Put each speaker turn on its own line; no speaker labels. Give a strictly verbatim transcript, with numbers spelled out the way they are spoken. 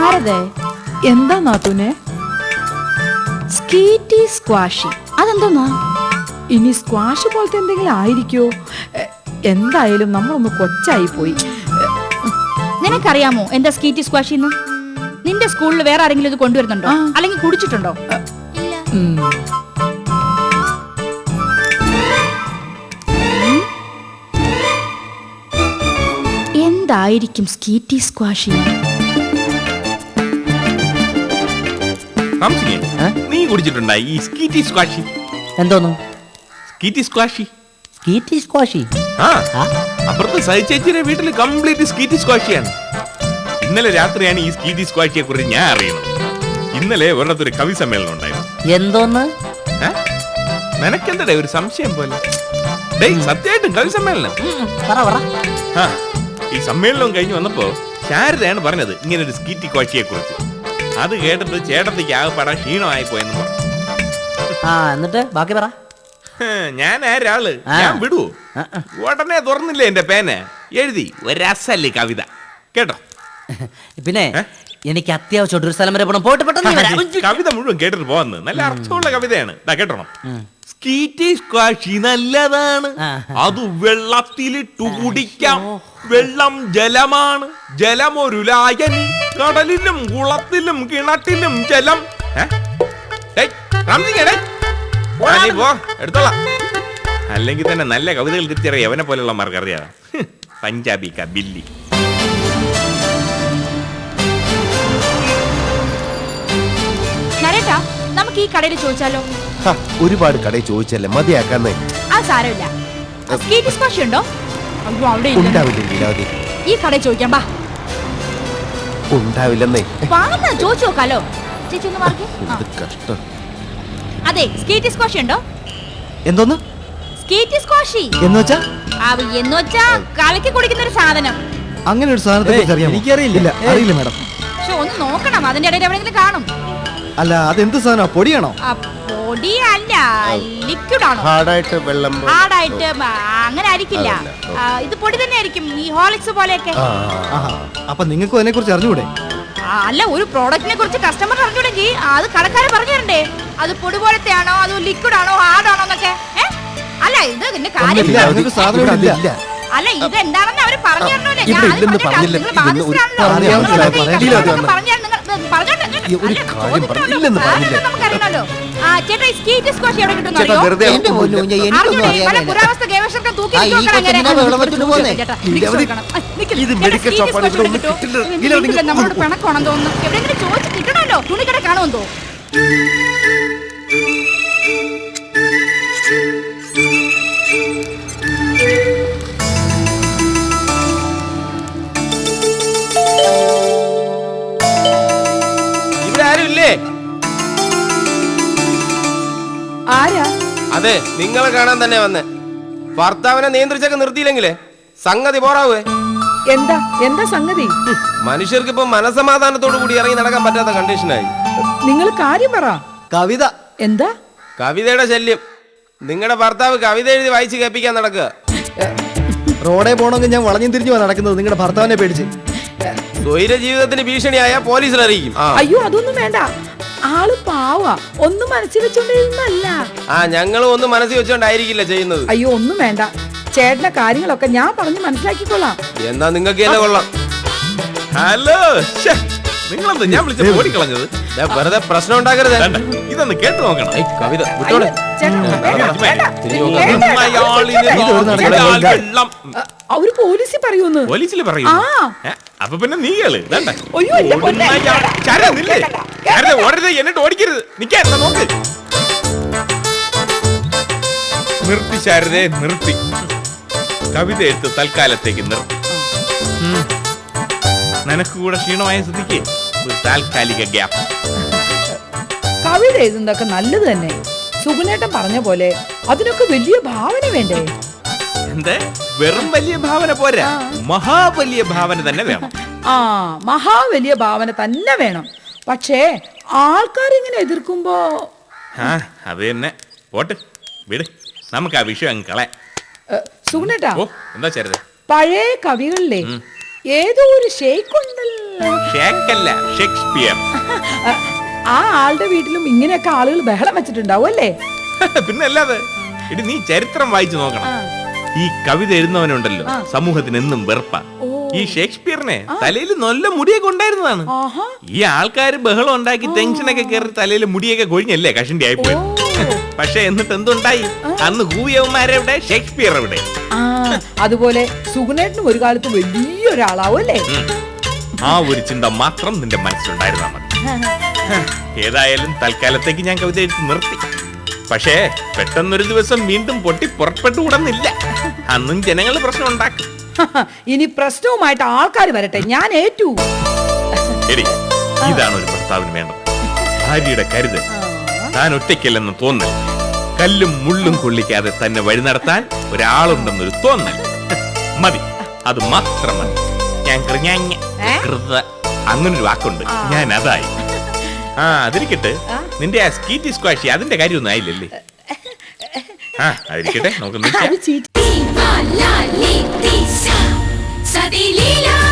ശാരദേ, എന്താ നാത്തൂനെ? സ്കീറ്റി സ്ക്വാഷി അതെന്തോന്നാ? ഇനി സ്ക്വാഷ് പോലത്തെ എന്തെങ്കിലും ആയിരിക്കോ? എന്തായാലും നമ്മളൊന്ന് കൊച്ചായി പോയി.
നിനക്കറിയാമോ എന്താ സ്കീറ്റി സ്ക്വാഷി? നിന്റെ സ്കൂളിൽ വേറെ ആരെങ്കിലും ഇത് കൊണ്ടുവരുന്നുണ്ടോ? അല്ലെങ്കിൽ കുടിച്ചിട്ടുണ്ടോ? എന്തായിരിക്കും സ്കീറ്റി സ്ക്വാഷി?
നീ കുടിച്ചിട്ടുണ്ടായി ഈ സ്കീറ്റി സ്ക്വാഷി?
എന്തോന്നു
സ്കീറ്റി സ്ക്വാഷി?
സ്കീറ്റി സ്ക്വാഷി?
ആ, അപ്പുറത്ത് സഹിച്ചേച്ചിയുടെ വീട്ടിൽ കംപ്ലീറ്റ് സ്കീറ്റി സ്ക്വാഷിയാണ്. ഇന്നലെ രാത്രിയാണ് ഈ സ്കീറ്റി സ്ക്വാഷിയെ കുറിച്ച് ഞാൻ അറിയുന്നത്. ഇന്നലെ ഒരിടത്തൊരു കവി സമ്മേളനം ഉണ്ടായിരുന്നു.
എന്തോന്ന്?
നിനക്കെന്തടേ ഒരു സംശയം പോലെ? സത്യമായിട്ടും കവി സമ്മേളനം. ഈ സമ്മേളനം കഴിഞ്ഞ് വന്നപ്പോ ശാരദയാണ് പറഞ്ഞത് ഇങ്ങനെ ഒരു സ്കീറ്റി സ്ക്വാഷിയെ കുറിച്ച്. അത് കേട്ടിട്ട് ചേട്ടത്തിക്ക് ആകെപ്പാടാ ക്ഷീണമായി പോയെന്ന് പറഞ്ഞു.
എന്നിട്ട് ബാക്കി പറ.
ഞാൻ ആരാള് ഞാൻ വിടുവോ? ഉടനെ തുറന്നില്ലേ എന്റെ പേന, എഴുതി ഒരസല്ലേ കവിത. കേട്ടോ?
പിന്നെ എനിക്ക് അത്യാവശ്യം ഒരു സ്ഥലം വരെ പോകണം. പോയിട്ട് പെട്ടെന്ന്
കവിത മുഴുവൻ കേട്ടിട്ട് പോവാന്ന്. നല്ല അർത്ഥമുള്ള കവിതയാണ്. കേട്ടോണം. സ്കീറ്റി സ്ക്വാഷി നല്ലതാണ്, അത് വെള്ളത്തിലിട്ടു കുടിക്കാം. വെള്ളം ജലമാണ്, ജലമൊരു ലായനി. കടലിലും കുളത്തിലും കിണറ്റിലും ജലം. എടുത്തോളാം. അല്ലെങ്കിൽ തന്നെ നല്ല കവിതകൾ തിരിച്ചറിയാം അവനെ പോലെയുള്ള മാർക്കറിയാം. പഞ്ചാബി കബില്ലി.
നമുക്ക് ഈ കടയിൽ ചോദിച്ചാലോ?
ഒരുപാട് കടയിൽ ചോദിച്ചല്ലേ മതിയാക്കാന്നേ.
ആ സാരമില്ല. സ്കീറ്റി സ്ക്വാഷി ഉണ്ടോ? ഈ കടയിൽ ചോദിക്കാം. ബാ.
ഉണ്ടാവില്ലെന്നേ.
ചോദിച്ചു നോക്കാലോ. ചേച്ചി ഒന്ന് മാറി.
കഷ്ടം.
അതെ, സ്കീറ്റി സ്ക്വാഷി ഉണ്ടോ?
എന്തോന്ന്?
സ്കീറ്റി സ്ക്വാഷി
എന്ന് വെച്ചാ
എന്ന് വെച്ചാ കലക്കി കുടിക്കുന്ന ഒരു സാധനം.
അങ്ങനെ ഒരു സാധനത്തെ കുറിച്ച് അറിയാമോ? എനിക്കറിയില്ല. അറിയില്ല മാഡം.
പക്ഷെ ഒന്ന് നോക്കണം, അതിന്റെ ഇടയിൽ എവിടെയെങ്കിലും കാണും.
അല്ല, അതെന്ത് സാധനം? പൊടിയാണോ?
പൊടിയല്ല, ലിക്വിഡ് ആണോ?
ഹാർഡായിട്ട് വെള്ളം
ഹാർഡായിട്ട് അങ്ങനെ ആയിരിക്കില്ല. ഇത് പൊടി തന്നെ ആയിരിക്കും, ഈ ഹോർലിക്സ് പോലെയൊക്കെ.
അപ്പൊ നിങ്ങൾക്ക് അതിനെ കുറിച്ച് അറിഞ്ഞൂടെ?
അല്ല, ഒരു പ്രോഡക്റ്റിനെ കുറിച്ച് കസ്റ്റമർ അറിഞ്ഞൂടെങ്കിൽ അത് കടക്കാരെ പറഞ്ഞു തരണ്ടേ? അത് പൊടി പോലത്തെ ആണോ, അത് ലിക്വിഡ് ആണോ, ഹാർഡ് ആണോ എന്നൊക്കെ. അല്ല, ഇത് ഇതിന്റെ കാര്യം അല്ല, ഇത് എന്താണെന്ന് അവര് പറഞ്ഞു തരണല്ലേ. നമുക്കറിയണല്ലോ. ചേട്ടാ, ഈ സ്കീറ്റി സ്ക്വാഷി എവിടെ കിട്ടും? പുരാവസ്തു ഗവേഷകർക്ക് തൂക്കി നമ്മളോട് പിണക്കമാണെന്ന് തോന്നുന്നു. എവിടെയെങ്കിലും ചോദിച്ചു കിട്ടണല്ലോ. തുണിക്കട കാണുമെന്ന് തോന്നുന്നു.
അതെ, നിങ്ങളെ കാണാൻ തന്നെ വന്നേ. ഭർത്താവിനെ നിയന്ത്രിച്ചൊക്കെ നിർത്തിയില്ലെങ്കിലേ സംഗതി പോറാവേ.
എന്താ എന്താ സംഗതി?
മനുഷ്യർക്ക് ഇപ്പൊ മനസമാധാനത്തോടു കൂടി ഇറങ്ങി നടക്കാൻ പറ്റാത്ത കണ്ടീഷനായി.
നിങ്ങൾ കാര്യം പറ.
കവിത.
എന്താ?
കവിതയുടെ ശല്യം. നിങ്ങളുടെ ഭർത്താവ് കവിത എഴുതി വായിച്ച് കേൾപ്പിക്കാൻ നടക്കുക.
റോഡേ പോണെങ്കിൽ ഞാൻ വളഞ്ഞു തിരിഞ്ഞു നടക്കുന്നത് നിങ്ങളുടെ ഭർത്താവിനെ പേടിച്ച്.
സ്വൈര ജീവിതത്തിന് ഭീഷണിയായ പോലീസിൽ അറിയിക്കും.
അയ്യോ, അതൊന്നും വേണ്ട. ആള് പാവാ, ഒന്നും മനസ്സിൽ വെച്ചോണ്ടിരുന്നല്ല.
ആ, ഞങ്ങളും ഒന്നും മനസ്സിൽ വെച്ചോണ്ടായിരിക്കില്ല ചെയ്യുന്നത്.
അയ്യോ, ഒന്നും വേണ്ട. ചേട്ടന്റെ കാര്യങ്ങളൊക്കെ ഞാൻ പറഞ്ഞ് മനസ്സിലാക്കിക്കൊള്ളാം.
എന്നാ നിങ്ങൾക്ക് തന്നെ കൊള്ളാം.
ഹലോ, നിങ്ങളെന്താ ഞാൻ വിളിച്ച ഓടിക്കളഞ്ഞത്?
വെറുതെ പ്രശ്നം ഉണ്ടാക്കരുത്.
ഇതൊന്ന് കേട്ടു നോക്കണം.
കവിത വിട്ടോടെ.
അവര് പോലീസിൽ പറയൂന്ന്.
പോലീസിൽ പറയൂ? അപ്പൊ പിന്നെ നീ കേള്. ഓടരുത്, എന്നിട്ട് ഓടിക്കരുത്. നിക്കാൻ നോക്ക്. നിർത്തി ശാരദേ, നിർത്തി. കവിത എഴുത്ത് തൽക്കാലത്തേക്ക് നിർത്തി. നിനക്ക് കൂടെ ക്ഷീണമായ സ്ഥിതിക്ക് ഒരു താൽക്കാലിക ഗ്യാപ്പ്.
കവിത എഴുതുന്നതൊക്കെ നല്ലത് തന്നെ. സുഗുണേട്ടൻ പറഞ്ഞ പോലെ അതിനൊക്കെ വലിയ ഭാവന വേണ്ടേ?
എന്താ, വെറും വലിയ ഭാവന പോരാ, മഹാവലിയ ഭാവന തന്നെ വേണം.
ആ, മഹാവലിയ ഭാവന തന്നെ വേണം. പക്ഷേ ആൾക്കാർ ഇങ്ങനെ എതിർക്കുമ്പോ
ആ അത് തന്നെ. പോട്ട് വിട്, നമുക്ക് ആ വിഷയം അങ്ങ് കളയാം.
സുഗുണേട്ടാ,
എന്താ ചേരുത്?
പഴയ കവികളിലെ ഏതോ ഒരു ഷെയ്ഖുണ്ടല്ലോ.
ഷേക്കല്ല, ഷേക്സ്പിയർ.
ആ ആളുടെ വീട്ടിലും ഇങ്ങനെയൊക്കെ ആളുകൾ ബഹളം വെച്ചിട്ടുണ്ടാവും അല്ലേ?
പിന്നെ അല്ലാതെ ഇടി നീ ചരിത്രം വായിച്ചു നോക്കണം. ഈ കവിത എഴുതുന്നവനുണ്ടല്ലോ സമൂഹത്തിന് എന്നും വെറുപ്പ. ഈ ഷേക്സ്പിയറിനെ തലയിൽ നല്ല മുടിയൊക്കെ ഉണ്ടായിരുന്നതാണ്. ഈ ആൾക്കാർ ബഹളം ഉണ്ടാക്കി ടെൻഷനൊക്കെ കയറി തലയിൽ മുടിയൊക്കെ കൊഴിഞ്ഞല്ലേ കഷണ്ടി ആയിപ്പോയി. പക്ഷെ എന്നിട്ട് എന്തുണ്ടായി? അന്ന് കൂവിയവന്മാരെവിടെ, ഷേക്സ്പിയർ എവിടെ?
അതുപോലെ സുഗുണേട്ടനും ഒരു കാലത്ത് വലിയൊരാളാവും അല്ലേ?
ആ ഒരു ചിന്ത മാത്രം നിന്റെ മനസ്സിലുണ്ടായിരുന്നാ മതി. ഏതായാലും തൽക്കാലത്തേക്ക് ഞാൻ കവിത എഴുതി നിർത്തി. പക്ഷേ പെട്ടെന്നൊരു ദിവസം വീണ്ടും പൊട്ടി പുറപ്പെട്ടുകൂടുന്നില്ല. അന്നും ജനങ്ങൾ പ്രശ്നം ഉണ്ടാക്കും.
ഇനി പ്രശ്നവുമായിട്ട് ആൾക്കാർ വരട്ടെ, ഞാൻ ഏറ്റു.
ശരി, ഇതാണ് ഒരു ഭർത്താവിന് വേണ്ടത്. ഭാര്യയുടെ കരുതൽ, താൻ ഒറ്റയ്ക്കല്ലെന്ന് തോന്നൽ, കല്ലും മുള്ളും കൊള്ളിക്കാതെ തന്നെ വഴി നടത്താൻ ഒരാളുണ്ടെന്നൊരു തോന്നൽ മതി. അത് മാത്രം മതി. ഞാൻ അങ്ങനൊരു വാക്കുണ്ട്, ഞാൻ അതായി. ആ അതിരിക്കട്ടെ, നിന്റെ ആ സ്കീറ്റി സ്ക്വാഷി അതിന്റെ കാര്യമൊന്നും ആയില്ലല്ലേ? ആ അതിരിക്കട്ടെ, നമുക്ക്
അത് ചീറ്റ്.